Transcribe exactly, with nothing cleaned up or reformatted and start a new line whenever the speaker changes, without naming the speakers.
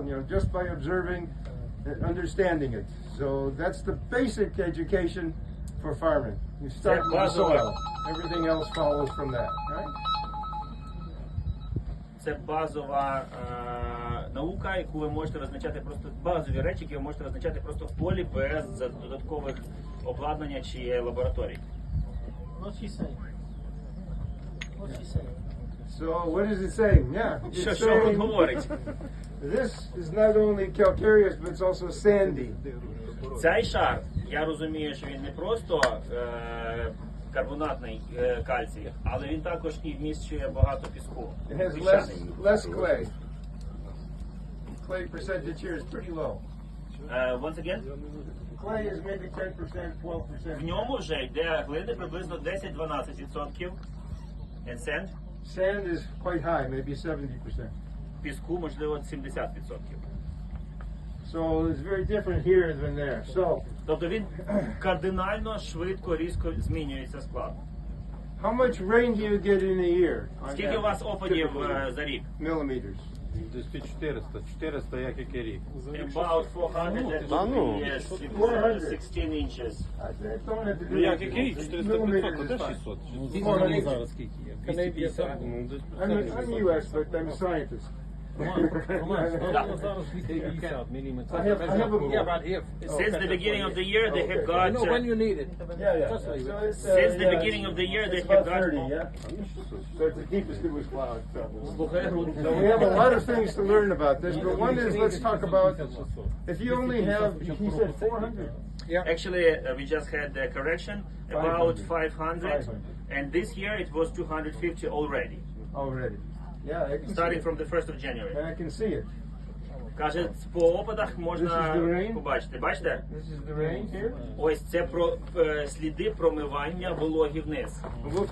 you know, just by observing and understanding it. So that's the basic education for farming. You start with the soil. Everything else follows from that, right?
Це базова е, наука, яку ви можете визначати просто базові речі, які ви можете визначати просто в полі без додаткових обладнання чи лабораторій.
What's he saying? What's he saying?
So what is it saying? Yeah, it's
Що, що він
saying
говорить?
this is not only calcareous, but it's also sandy.
Цей шар, я розумію, що він не просто е, карбонатний е, кальцій, але він також і вміщує багато піску.
It has less
Піщаний.
less clay. Clay percentage here is pretty low.
Е, once again,
Clay is maybe ten percent, twelve
в
percent.
ньому вже йде глини приблизно десять-дванадцять відсотків. And sand,
Sand is quite high, maybe seventy percent.
піску, можливо, сімдесят відсотків.
So it's very different here than there. So
Тобто він кардинально, швидко, різко змінюється склад.
how much rain do you get in a year? on
Скільки у вас
average,
опадів
typically?
е, за рік?
Millimeters.
Десь під чотириста, чотириста як який рік.
About four hundred, that
Та
would
ну.
be yes,
four hundred.
sixteen inches.
I I don't have to do
Ну як
it.
який рік? чотириста
Millimeters
п'ятсот,
is
де
fine.
шістсот?
four hundred.
зараз скільки є? двісті п'ятдесят.
Ну, десь
I'm, I'm U S, but I'm a scientist.
Роман, зараз двісті п'ятдесят міліметрів.
I have- I have a-
Yeah, but here.
Since the beginning of the year, they have
Okay.
got.
You know when you need it.
Yeah, yeah.
Just leave
So
it.
it's, uh,
Since the
yeah,
beginning of the year, they
it's
have
about
got.
thirty, yeah? So it's the deepest it was plowed. So.
Слухай, грудь.
So we have a lot of things to learn about this, but one is let's talk about if you only have, he said four hundred.
Actually, uh, we just had the correction about five hundred,
five hundred.
and this year it was two hundred fifty already,
Already. Yeah, I can see
starting
it.
from the first of January.
And I can see it.
Каже, по опадах
This is
можна
the rain?
побачити. Бачите?
This is the rain here.
Ось це про е, сліди промивання вологі вниз.
We'll